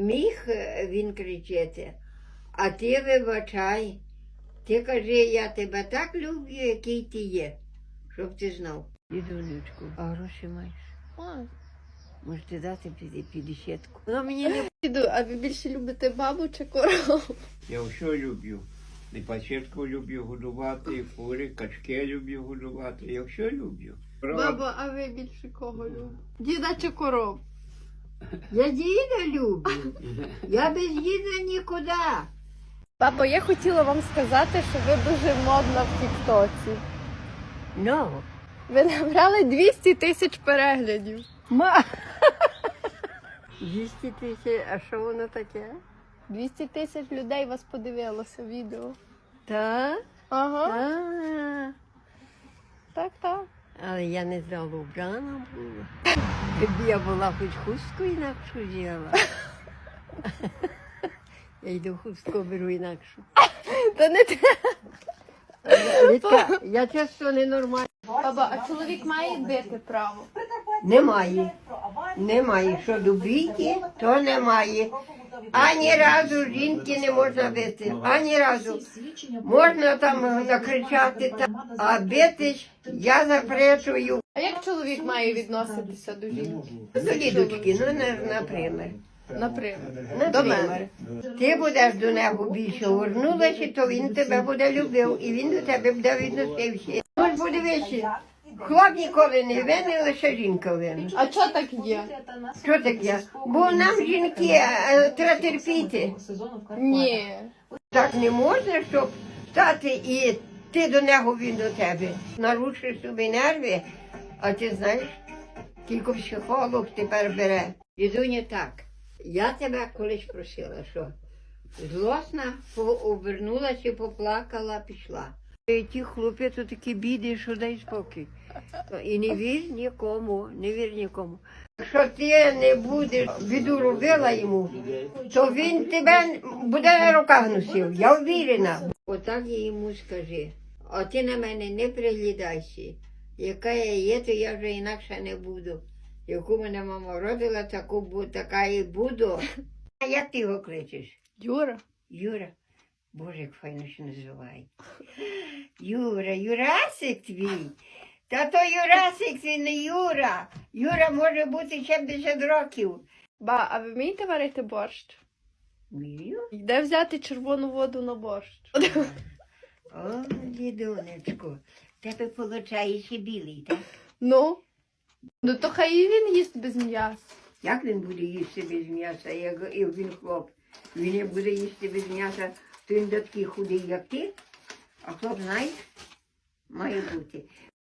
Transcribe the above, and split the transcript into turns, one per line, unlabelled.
міг він кричати, а ти вибачай. Ти кажи, я тебе так люблю, який ти є, щоб ти знав. Дідунечку, а гроші маєш?
Ой.
Можете дати 50-ку. Вона мені не...
Діду, а ви більше любите бабу чи корову?
Я все люблю. І пасітку люблю годувати, і кури, качки люблю годувати. Я все люблю.
Баба, а ви більше кого любите? Діда чи коров?
Я діда люблю. Я без діда нікуди.
Бабо, я хотіла вам сказати, що ви дуже модна в Тік-Тоці.
Ну,
Ви набрали 200 тисяч переглядів.
200 тисяч, а що воно таке?
200 тисяч людей вас подивилося відео.
Так?
Ага,
Так.
так.
Але я не знала, вбрана була. Якби я була хоч хустку інакшу взяла. Я йду хустку беру інакшу.
Та не те.
Вітка, я часто ненормальна.
Баба, а чоловік має бити право?
Немає. Немає. Що до бійки, то немає. Ані разу жінки не можна бити. Ані разу. Можна там накричати, а бити я запрещую.
А як чоловік має відноситися до жінки?
До дідочки, ну, наприклад.
Наприклад, до мене.
Ти будеш до нього більше горнулася, то він тебе буде любив, і він до тебе буде відносився. Ось подивися, хлоп ніколи не винен, лише жінка винна.
А чого так є?
Що таке? Бо нам жінки треба терпіти.
Ні.
Так не можна, щоб стати і ти до нього, він до тебе. Нарушиш собі нерви, а ти знаєш, тільки психолог тепер бере. Дідуня, так, я тебе колись просила, що злосна, обернулася, поплакала, пішла. І ті хлопці то такі біди, що дай спокій. І не вір нікому, не вір нікому. Якщо ти не будеш біду робила йому, то він тебе буде на руках носив, я впевнена. Отак я йому скажи, а ти на мене не приглядайся. Яка я є, то я вже інакше не буду. Яку мене мама родила, така і буду. А як ти його кличеш?
Юра.
Юра. Боже, як файно ще називає. Юра, Юрасик твій. Та то Юрасик, це не Юра. Юра може бути 70 років.
Ба, а ви вмієте варити борщ?
Вмію?
Де взяти червону воду на борщ?
О, дідунечко, тебе виходить і білий, так?
Ну? Ну то хай і він їсть без м'яса.
Як він буде їсти без м'яса, як і він хлоп? Він не буде їсти без м'яса, то він такий худий, як ти. А хлоп, знаєш, має бути.